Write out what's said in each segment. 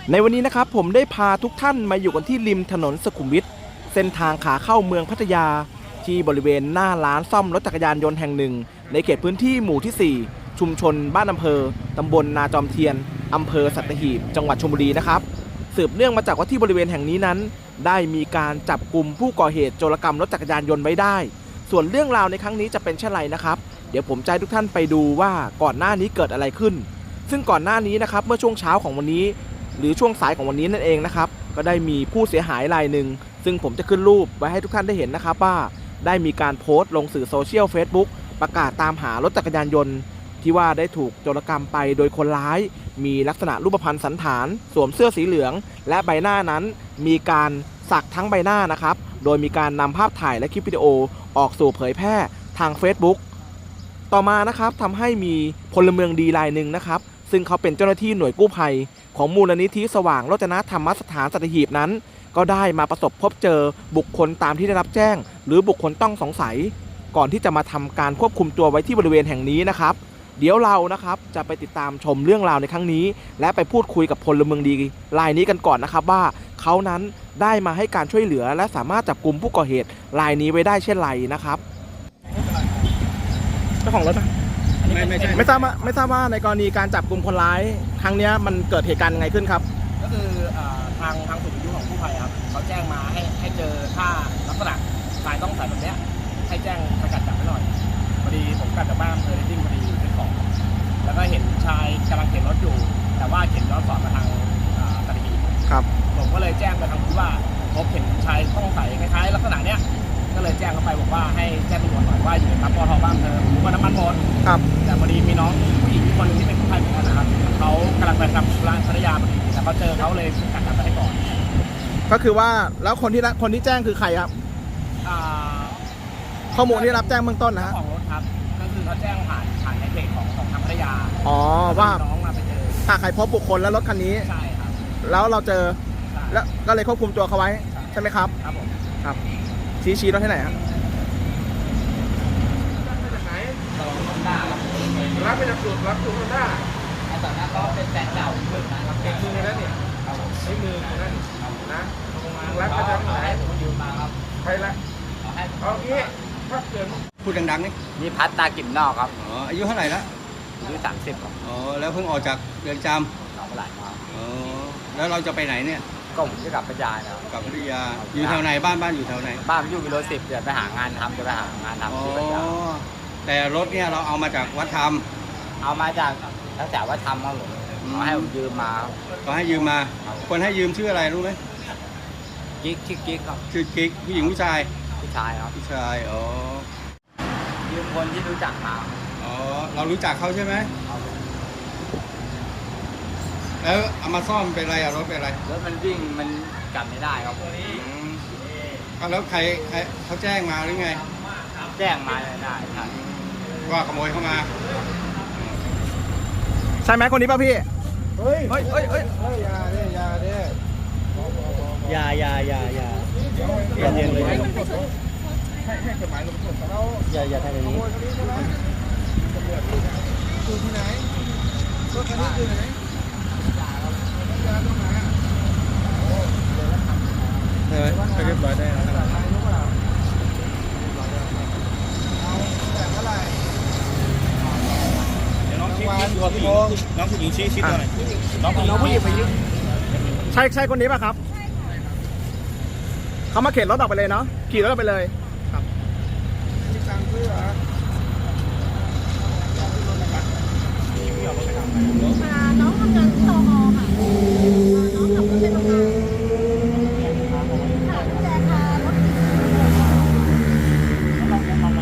ในวันนี้นะครับผมได้พาทุกท่านมาอยู่กันที่ริมถนนสุขุมวิทเส้นทางขาเข้าเมืองพัทยาที่บริเวณหน้าร้านซ่อมรถจักรยานยนต์แห่งหนึ่งในเขตพื้นที่หมู่ที่ 4 ชุมชนบ้านอำเภอตำบลนาจอมเทียนอำเภอสัตหีบจังหวัดชลบุรีนะครับสืบเนื่องมาจากว่าที่บริเวณแห่งนี้นั้นได้มีการจับกลุ่มผู้ก่อเหตุโจรกรรมรถจักรยานยนต์ไว้ได้ส่วนเรื่องราวในครั้งนี้จะเป็นเช่นไรนะครับเดี๋ยวผมจะให้ทุกท่านไปดูว่าก่อนหน้านี้เกิดอะไรขึ้นซึ่งก่อนหน้านี้นะครับเมื่อช่วงเช้าของวันนี้หรือช่วงสายของวันนี้นั่นเองนะครับก็ได้มีผู้เสียหายรายหนึ่งซึ่งผมจะขึ้นรูปไว้ให้ทุกท่านได้เห็นนะครับว่าได้มีการโพสต์ลงสื่อโซเชียล Facebook ประกาศตามหารถจักรยานยนต์ที่ว่าได้ถูกโจรกรรมไปโดยคนร้ายมีลักษณะรูปพรรณสันฐานสวมเสื้อสีเหลืองและใบหน้านั้นมีการสักทั้งใบหน้านะครับโดยมีการนำภาพถ่ายและคลิปวิดีโอออกสู่เผยแพร่ทาง Facebook ต่อมานะครับทำให้มีพลเมืองดีรายหนึ่งนะครับซึ่งเขาเป็นเจ้าหน้าที่หน่วยกู้ภัยของมูลนิธิสว่างโรจนธรรมสถานสัตหีบนั้นก็ได้มาประสบพบเจอบุคคลตามที่ได้รับแจ้งหรือบุคคลต้องสงสัยก่อนที่จะมาทำการควบคุมตัวไว้ที่บริเวณแห่งนี้นะครับเดี๋ยวเรานะครับจะไปติดตามชมเรื่องราวในครั้งนี้และไปพูดคุยกับพลเมืองดีรายนี้กันก่อนนะครับว่าเขานั้นได้มาให้การช่วยเหลือและสามารถจับกุมผู้ก่อเหตุรายนี้ไว้ได้เช่นไรนะครับเจ้าของรถไม่ทราบว่าในกรณีการจับกุมคนร้ายครั้งนี้มันเกิดเหตุการณ์ยังไงขึ้นครับก็คือทางศูนย์วิทยุของกู้ภัยครับเขาแจ้งมาให้เจอถ้าลักษณะชายต้องใส่แบบนี้ให้แจ้งสกัดจับไว้หน่อยพอดีผมกลับจากบ้านอำเภอเรดดิ้งพอดีซื้อของแล้วก็เห็นชายกำลังเข็นรถอยู่แต่ว่าเข็นย้อนสอนมาทางสัตหีบครับผมก็เลยแจ้งไปทางผู้ว่าพบเห็นชายต้องใส่คล้ายๆลักษณะเนี้ยก็เลยแจ้งเข้าไปบอกว่าให้แจ้งตำรวจหน่อยว่าอยู่ในปั๊มปตท.บ้านเธอรู้ว่าน้ำมันหมดครับแต่พอดีมีน้องผู้หญิงคนนึงที่เป็นกู้ภัยเหมือนกันนะครับเขากำลังไปทำธุระพัทยาพอดีแต่เขาเจอเขาเลยกัดจับไปให้ก่อนก็คือว่าแล้วคนที่แจ้งคือใครครับข้อมูลที่รับแจ้งเบื้องต้นนะฮะของรถครับก็คือเขาแจ้งผ่านในเพจของทางพัทยาว่าน้องมาไปเจอถ้าใครพบบุคคลและรถคันนี้ใช่ครับแล้วเราเจอแล้วก็เลยควบคุมตัวเขาไว้ใช่ไหมครับครับผมครับชี้รถที่ไหนครับรับไปจากสูตรได้แต่นั้นก็เป็นแฟนเก่านะครับเป็นมือแล้วเนี่ยใช้มือนั่นนะรับไปจากไหนผมยืมมาครับใครละเอางี้ถ้าเกิดพูดดังๆนี่มีพัฒตากิ่มนอกครับอ๋ออายุเท่าไหร่แล้วอายุ30ครับอ๋อแล้วเพิ่งออกจากเรือนจำหนองปลามาอ๋อแล้วเราจะไปไหนเนี่ยก็ผมจะกลับพัทยาครับกลับพัทยาอยู่แถวไหนบ้านอยู่แถวไหนบ้านอยู่กิโล10เดี๋ยวไปหางานทำจะไปหางานทำที่พัทยาแต่รถเนี่ยเราเอามาจากวัดธรรมเอามาจากแถววัดธรรมครับผมเขาให้ผมยืมมาก็ให้ยืมมาคนให้ยืมชื่ออะไรรู้ไหมกิ๊กชื่อกิ๊กครับชื่อกิ๊กผู้หญิงผู้ชายผู้ชายครับผู้ชายอ๋อยืมคนที่รู้จักมาอ๋อเรารู้จักเขาใช่ไหมแล้วเอามาซ่อมเป็นอะไรรถเป็นอะไรรถมันวิ่งมันกลับไม่ได้ครับแล้วใครเขาแจ้งมาหรือไงแจ้งมาได้ครับว่าขโมยเข้ามาใช่ไหมคนนี้ป่ะพี่เฮ้ยอย่าเด้อย่าเย็นเลยให้กฎหมายลงโทษเขาอย่าทำอย่างนี้อยู่ที่ไหนรถคันนี้อยู่ไหนเรียบร้อยได้แล้วน้องผู้หญิงชี้หน่อยน้องผู้หญิงไปยืมใช่คนนี้ป่ะครับเขามาเข็นรถออกไปเลยเนาะขี่รถออกไปเลยครับมีตังค์ซื้อเหรอน้องทำงานที่ตมค่ะน้องขับรถไปทำงานค่ะดูแลค่ะรถตอน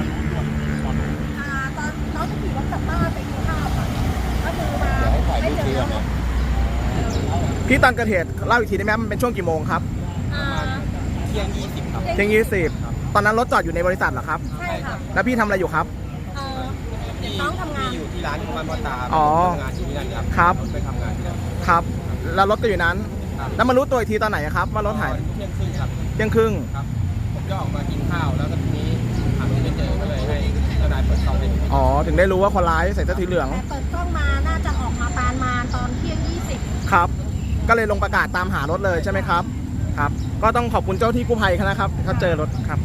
น้องจะขี่รถกลับบ้านไปกินข้าวค่ะก็คือมาไม่เจอพี่ตอนเกิดเหตุเล่าอีกทีได้ไหมมันเป็นช่วงกี่โมงครับเที่ยง20ครับเที่ยง20ตอนนั้นรถจอดอยู่ในบริษัทเหรอครับใช่ค่ะแล้วพี่ทำอะไรอยู่ครับน้องทำงานอยู่ที่ร้านมันตาทำงานอยู่ที่นั่นครับไปทำงานที่นั่นครับแล้วรถก็อยู่นั้นแล้วมารู้ตัวอีกทีตอนไหนครับว่ารถหายเที่ยงครึ่งครับเที่ยงครึ่งครับผมจะออกมากินข้าวแล้วก็ทีนี้หาไม่เจอก็เลยให้เจ้านายเปิดกล้องให้ดูถึงได้รู้ว่าคนร้ายใส่เสื้อสีเหลืองแต่เปิดกล้องมาน่าจะออกมาประมาณตอนเที่ยง20 ครับก็เลยลงประกาศตามหารถเลยใช่ไหมครับครับ ก็ต้องขอบคุณเจ้าที่กู้ภัยนะครับเขาเจอรถครับ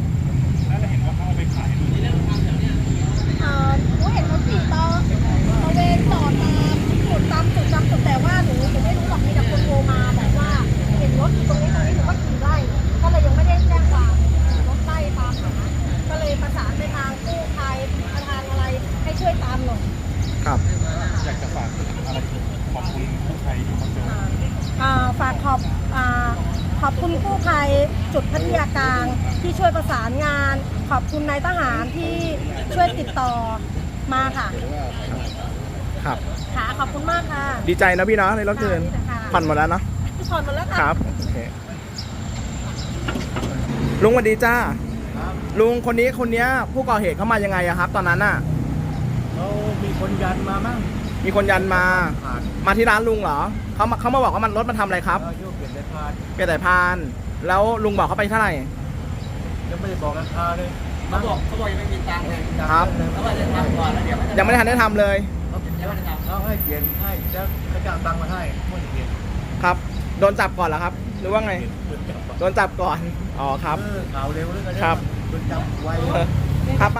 หนูเห็นเขาขี่ตระเวนจอดตามจุดแต่ว่าหนูไม่รู้หรอกมีแต่คนโทรมาบอกว่าเห็นรถอยู่ตรงนี้หนูก็ขี่ไล่ก็เลยยังไม่ได้แจ้งความรถไล่ตามหาก็เลยประสานไปทางกู้ภัยทางอะไรให้ช่วยตามหน่อยครับอยากจะฝากอะไรขอบคุณผู้ภัยที่มาเจอฝากขอบคุณกู้ภัยจุดพัทยากลางที่ช่วยประสานงาน ขอบคุณนายทหารที่ช่วยติดต่อมาค่ะครับค่ะขอบคุณมากค่ะดีใจนะพี่เนาะในรถคืนค่ะผ่อนหมดแล้วเนาะผ่อนหมดแล้วค่ะครับโอเคลุงสวัสดีจ้าลุงคนนี้ผู้ก่อเหตุเขามายังไงอะครับ ตอนนั้นน่ะเขามีคนยันมามั่งมีคนยันมาผ่านมาที่ร้านลุงเหรอเขามาบอกว่ามันรถมาทำอะไรครับยุ่งเปลี่ยนเลยผ่านเปลี่ยนสายพานแล้วลุงบอกเขาไปเท่าไหร่ยังไม่ได้บอกราคาเลยเขาบอกยังไม่มีตังค์เลยครับเขาบอกจะทำก่อนแล้วเดี๋ยวยังไม่ได้ทันได้ทำเลยเขาให้เปลี่ยนให้แล้วเขาจะเอาตังค์มาให้ไม่เปลี่ยนครับโดนจับก่อนเหรอครับ หรือว่าไงโดนจับก่อนอ๋อครับข่าวเร็วแล้วกันครับโดนจับไวครับ